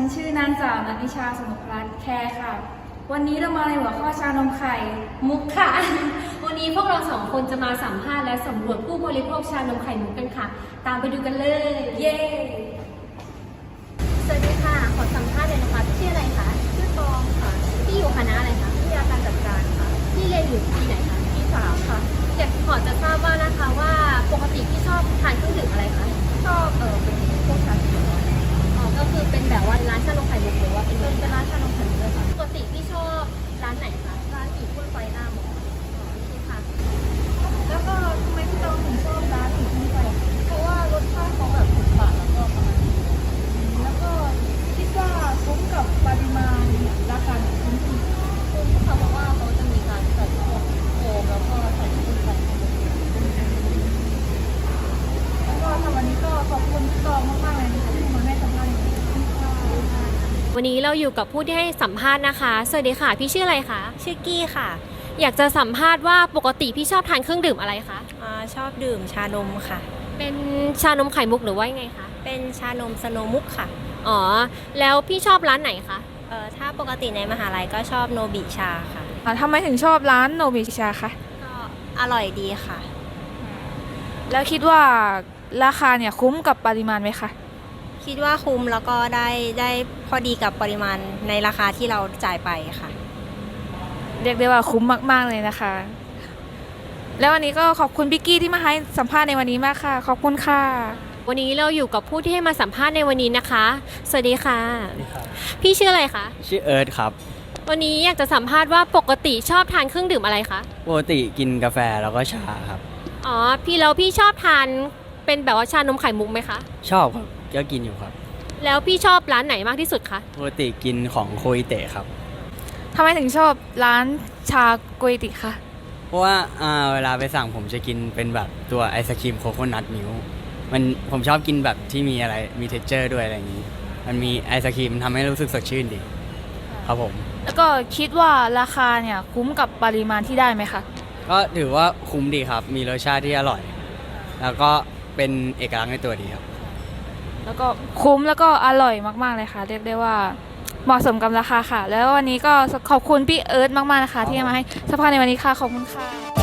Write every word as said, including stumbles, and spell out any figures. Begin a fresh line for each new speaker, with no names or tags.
ชื่อนางสาวนัทนิชาสมุทรรัตน์แคร์ค่ะ วันนี้เรามาในหัวข้อชานมไข่
มุกค่ะ วันนี้พวกเราสองคนจะมาสัมภาษณ์และสำรวจผู้บริโภคชานมไข่มุกกันค่ะ ตามไปดูกันเลย
เย้
สวัสดีค่ะ ขอสัมภาษณ์เลยนะคะพี่ชื่ออะไรคะ
ชื่อตองค่ะ
พี่อยู่คณะอะไรคะ
วิทยาการจัดการค่ะ
พี่เรียนอยู่ปีไหนคะ
ปีสามค่ะ
อยากขอจะทราบว่านะคะว่าปกติพี่ชอบทานเครื่องดื่มอะไรคะ
ชอบเออเป็นพวกชาเขียว
อ๋อ ก็คือเป็นแบบว่าร้านชานมไข่มุกหรือว่าเป็น
เป็นเป็นร้านชานมไข่มุกเลยค่ะ
ปกติพี่ชอบร้านไหนคะ
ร้านอีกคุ้นไฟหน้ามอ
อ๋อโอเคค่ะ
แล้วก็ทำไมพี่ตองถึงชอบร้านอีกคุ้นไฟเพราะว่ารสชาติเขาแบบถูกปากแล้วก็ประมาณนี้แล้วก็คิดว่าคุ้มกับปริมาณราคาของคุ้มที่
คุ้มค่ะเพราะว่าเขาจะมีการใส่พวกโฟมแล้วก็ใส่กุ้งไป
แล้วก็ทำวันนี้ก็ขอบคุณพี่ตองมากๆเลยนะคะที่มาให้สัมภาษณ์ในวันนี้ค่ะ
วันนี้เราอยู่กับผู้ที่ให้สัมภาษณ์นะคะ สวัสดีค่ะ พี่ชื่ออะไรคะ
ชื่อกี้ค่ะ
อยากจะสัมภาษณ์ว่าปกติพี่ชอบทานเครื่องดื่มอะไรคะ
อาชอบดื่มชานมค่ะ
เป็นชานมไข่มุกหรือว่ายังไงคะ
เป็นชานมสโนมุกค่ะ
อ๋อ แล้วพี่ชอบร้านไหนคะ
เอ่อถ้าปกติในมหาลัยก็ชอบโนบิชาค่ะ
อ่าทำไมถึงชอบร้านโนบิชาคะ
ก็อร่อยดีค่ะ
แล้วคิดว่าราคาเนี่ยคุ้มกับปริมาณไหมคะ
คิดว่าคุ้มแล้วก็ได้ได้พอดีกับปริมาณในราคาที่เราจ่ายไปค่ะ
เรียกได้ว่าคุ้มมากๆเลยนะคะ แล้ววันนี้ก็ขอบคุณพี่กี้ที่มาให้สัมภาษณ์ในวันนี้มากค่ะ ขอบคุณค่ะ
วันนี้เราอยู่กับผู้ที่ให้มาสัมภาษณ์ในวันนี้นะคะ สวัสดีค่ะ พี่ชื่ออะไรคะ
ชื่อเอิร์ธครับ
วันนี้อยากจะสัมภาษณ์ว่าปกติชอบทานเครื่องดื่มอะไรคะ
ปกติกินกาแฟแล้วก็ชาครับ
อ๋อ พี่แล้วพี่ชอบทานเป็นแบบว่าชานมไข่มุกไหมคะ
ชอบครับก็กินอยู่ครับ
แล้วพี่ชอบร้านไหนมากที่สุดคะ
ปกติกินของโคอิเตะครับ
ทำไมถึงชอบร้านชาโกยติคะ
เพราะว่าอ่าเวลาไปสั่งผมจะกินเป็นแบบตัวไอศครีมโคโคนัทมิลค์มันผมชอบกินแบบที่มีอะไรมีเท็กเจอร์ด้วยอะไรอย่างนี้ มันมีไอศครีมทำให้รู้สึกสดชื่นดี ครับผม
แล้วก็คิดว่าราคาเนี่ยคุ้มกับปริมาณที่ได้ไหมคะ
ก็ถือว่าคุ้มดีครับ มีรสชาติที่อร่อย แล้วก็เป็นเอกลักษณ์ในตัวดีครับ
แล้วก็คุ้มแล้วก็อร่อยมากๆเลยค่ะ เรียกได้ว่าเหมาะสมกับราคาค่ะ แล้ววันนี้ก็ขอบคุณพี่เอิร์ธมากๆนะคะ ที่มาให้สัมภาษณ์ในวันนี้ค่ะ ขอบคุณค่ะ